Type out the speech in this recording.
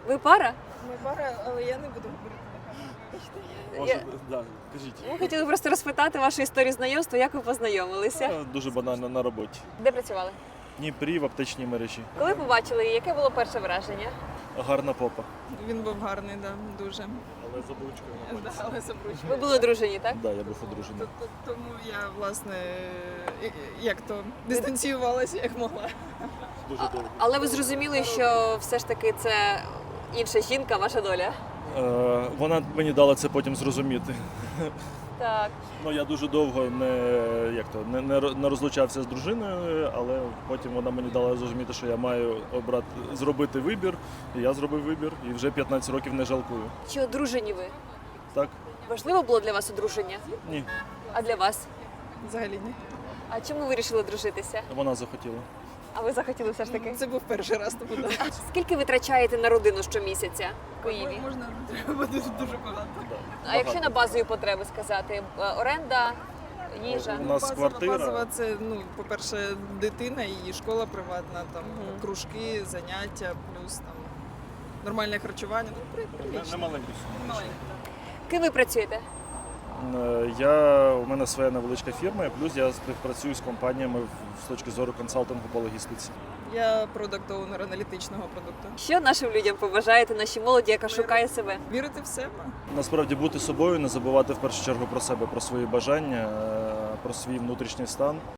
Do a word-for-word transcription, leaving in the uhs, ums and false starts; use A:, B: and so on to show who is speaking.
A: Ви пара?
B: Ми пара, але я не буду говорити на камеру.
C: Може,
A: Я-
C: да, кажіть.
A: Ми хотіли просто розпитати вашу історію знайомства, як ви познайомилися.
C: Е, Дуже банально на роботі.
A: Де працювали?
C: В Дніпрі в аптечній мережі.
A: Коли побачили її, яке було перше враження?
C: Гарна попа.
B: Він був гарний, да, дуже.
C: Але з обличкою
B: Да, але забручений.
A: Ви були одружені, так?
C: Да, я був одружений.
B: Т- т- Тому я, власне, і- і- як то, дистанціювалася, як могла.
C: Дуже довго.
A: Але ви зрозуміли, що все ж таки це інша жінка, ваша доля.
C: Е, Вона мені дала це потім зрозуміти.
A: Так.
C: Ну, я дуже довго не, як то, не, не ро- не розлучався з дружиною, але потім вона мені дала зрозуміти, що я маю обрати, зробити вибір. І я зробив вибір, і вже п'ятнадцять років не жалкую.
A: Чи одружені ви?
C: Так?
A: Важливо було для вас одруження?
C: Ні,
A: А для вас?
B: Взагалі ні.
A: А чому ви вирішили дружитися?
C: вона захотіла.
A: А ви захотіли все ж таки?
B: Це був перший раз, тому да.
A: Скільки ви витрачаєте на родину щомісяця в Києві?
B: Можна, треба дуже, дуже багато.
C: Да.
A: А якщо на базові потреби сказати? Е, Оренда, їжа?
C: У нас
B: Базова-
C: квартира.
B: Базова це, ну, по-перше, дитина, її школа приватна, там
A: Мгм.
B: кружки, заняття, плюс там нормальне харчування. Ну, при-
C: Не,
B: прилично.
C: не маленький сум.
B: Маленьке,
A: Ким ви працюєте?
C: Е, Я, у мене своя невеличка фірма, і плюс я співпрацюю з компаніями в- з точки зору консалтингу по логістиці.
B: так. Я продакт-оунер аналітичного продукту.
A: Що нашим людям побажаєте, нашій молоді, яка шукає себе?
B: Вірити в себе.
C: Насправді бути собою, не забувати в першу чергу про себе, про свої бажання, е, про свій внутрішній стан.